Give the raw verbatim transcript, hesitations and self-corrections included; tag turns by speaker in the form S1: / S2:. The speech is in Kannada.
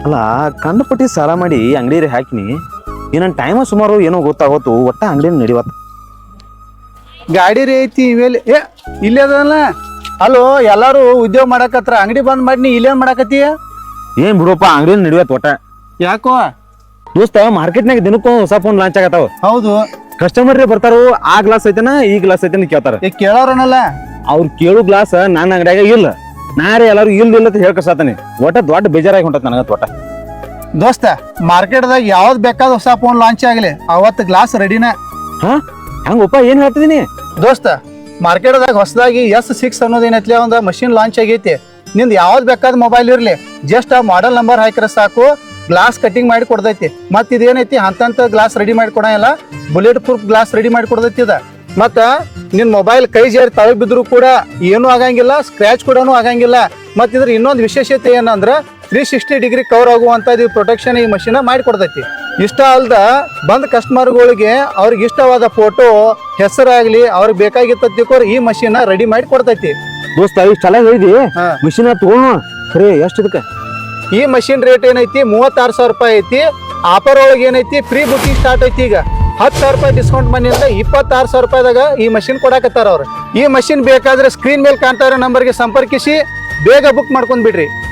S1: ಅಲ್ಲ ಕಂಡಪಟ್ಟಿ ಸಾಲ ಮಾಡಿ ಅಂಗಡಿ ಹಾಕಿನಿ ಏನನ್ ಟೈಮ ಸುಮಾರು ಏನೋ ಗೊತ್ತಾಗೋತು ಒಟ್ಟ ಅಂಗಡಿ ನಡಿವತ್ತ.
S2: ಗಾಡಿ ರೀ ಐತಿ ಇವೆಲ್ಲಿ ಏ ಇಲ್ಲೇ ಅದಲ್ಲ. ಅಲ್ಲೋ ಎಲ್ಲಾರು ಉದ್ಯೋಗ ಮಾಡಕತ್ರ ಅಂಗಡಿ ಬಂದ್ ಮಾಡಿ ನೀ ಇಲ್ಲೇನ್ ಮಾಡಕತ್ತಿ?
S1: ಏನ್ ಬಿಡುವಪ್ಪ ಅಂಗಡಿ ನಡಿವತ್ ಒಟ್ಟ.
S2: ಯಾಕೋ
S1: ದೋಸ್ತ ಮಾರ್ಕೆಟ್ನಾಗ ದಿನಕ್ಕೂ ಹೊಸ ಫೋನ್ ಲಾಂಚ್ ಆಗತ್ತಾವ.
S2: ಹೌದು.
S1: ಕಸ್ಟಮರ್ ಬರ್ತಾರು ಆ ಗ್ಲಾಸ್ ಐತನ ಈ ಗ್ಲಾಸ್ ಐತನ ಕೇಳ್ತಾರ.
S2: ಏ ಕೇಳೋರನಲ್ಲ
S1: ಅವ್ರು ಕೇಳು ಗ್ಲಾಸ್ ನನ್ನ ಅಂಗಡಿಯಾಗ ಇಲ್ಲ, ನಾರೇ ಎಲ್ಲಾರು ಇಲ್ಲ ಇಲ್ಲ ಅಂತ ಹೇಳ್ಕಸಾತಾನೆ. ಒಟ್ಟ ದೊಡ್ಡ ಬೇಜಾರಾಗಿ ಹೊಂಟತ್ ನನಗ ಒಟ್ಟ.
S2: ದೋಸ್ತ ಮಾರ್ಕೆಟ್ದಾಗ ಯಾವ್ದು ಬೇಕಾದ ಹೊಸ ಫೋನ್ ಲಾಂಚ್ ಆಗಲಿ ಅವತ್ತು ಗ್ಲಾಸ್ ರೆಡಿನ.
S1: ಹಾ ಹಂಗಪ್ಪ ಏನ್ ಹೇಳ್ತಿದೀನಿ
S2: ದೋಸ್ತ ಮಾರ್ಕೆಟ್ದಾಗ ಹೊಸದಾಗಿ ಎಸ್ ಸಿಕ್ಸ್ ಅನ್ನೋದೇನೈತ್ಲಿ ಒಂದು ಮಷಿನ್ ಲಾಂಚ್ ಆಗೈತಿ. ನಿಂದು ಯಾವ್ದು ಬೇಕಾದ ಮೊಬೈಲ್ ಇರ್ಲಿ ಜಸ್ಟ್ ಆ ಮಾಡೆಲ್ ನಂಬರ್ ಹಾಕಿರ ಸಾಕು ಗ್ಲಾಸ್ ಕಟಿಂಗ್ ಮಾಡಿ ಕೊಡ್ತೈತಿ. ಮತ್ ಇದೇನೈತಿ ಅಂತಂತ ಗ್ಲಾಸ್ ರೆಡಿ ಮಾಡಿ ಕೊಡಲ್ಲ, ಬುಲೆಟ್ ಪ್ರೂಫ್ ಗ್ಲಾಸ್ ರೆಡಿ ಮಾಡಿ ಕೊಡ್ತೈತಿ ಇದ. ಮತ್ತ ನಿನ್ ಮೊಬೈಲ್ ಕೈ ಜಾರಿ ತಳಗ್ ಬಿದ್ರು ಕೂಡ ಏನು ಆಗಂಗಿಲ್ಲ, ಸ್ಕ್ರಾಚ್ ಕೂಡ ಆಗಂಗಿಲ್ಲ. ಮತ್ ಇದ್ರ ಇನ್ನೊಂದು ವಿಶೇಷತೆ ಏನಂದ್ರ ತ್ರೀ ಸಿಕ್ಸ್ಟಿ ಡಿಗ್ರಿ ಕವರ್ ಆಗುವಂತ ಪ್ರೊಟೆಕ್ಷನ್ ಈ ಮಷೀನ್ ಮಾಡಿ ಕೊಡ್ತೈತಿ. ಇಷ್ಟ ಅಲ್ದ ಬಂದ್ ಕಸ್ಟಮರ್ಗಳಿಗೆ ಅವ್ರಿಗೆ ಇಷ್ಟವಾದ ಫೋಟೋ ಹೆಸರಾಗ್ಲಿ ಅವ್ರಿಗೆ ಬೇಕಾಗಿತ್ತಕೋರ್ ಈ ಮಷೀನ್ ರೆಡಿ ಮಾಡಿ ಕೊಡ್ತೈತಿ.
S1: ದೋಸ್ತ ಇಷ್ಟೆಲ್ಲ ಹೇಳಿದಿ ಮಿಷಿನ್ ತಗೊಂಡು ಖರೆ ಎಷ್ಟು ಇದಕ್ಕ?
S2: ಈ ಮಷಿನ್ ರೇಟ್ ಏನೈತಿ ಮೂವತ್ತಾರು ಸಾವಿರ ರೂಪಾಯಿ ಐತಿ. ಆಫರ್ ಒಳಗೆ ಏನೈತಿ ಪ್ರೀ ಬುಕಿಂಗ್ ಸ್ಟಾರ್ಟ್ ಐತಿ. ಈಗ ಹತ್ತು ಸಾವಿರ ರೂಪಾಯಿ ಡಿಸ್ಕೌಂಟ್ ಮನಿಂದ ಇಪ್ಪತ್ತಾರು ಸಾವಿರ ರೂಪಾಯಿದಾಗ ಈ ಮಷಿನ್ ಕೊಡಾಕತ್ತಾರ ಅವ್ರು. ಈ ಮಷಿನ್ ಬೇಕಾದ್ರೆ ಸ್ಕ್ರೀನ್ ಮೇಲೆ ಕಾಣ್ತಾ ಇರೋ ನಂಬರ್ಗೆ ಸಂಪರ್ಕಿಸಿ ಬೇಗ ಬುಕ್ ಮಾಡ್ಕೊಂಡ್ ಬಿಡ್ರಿ.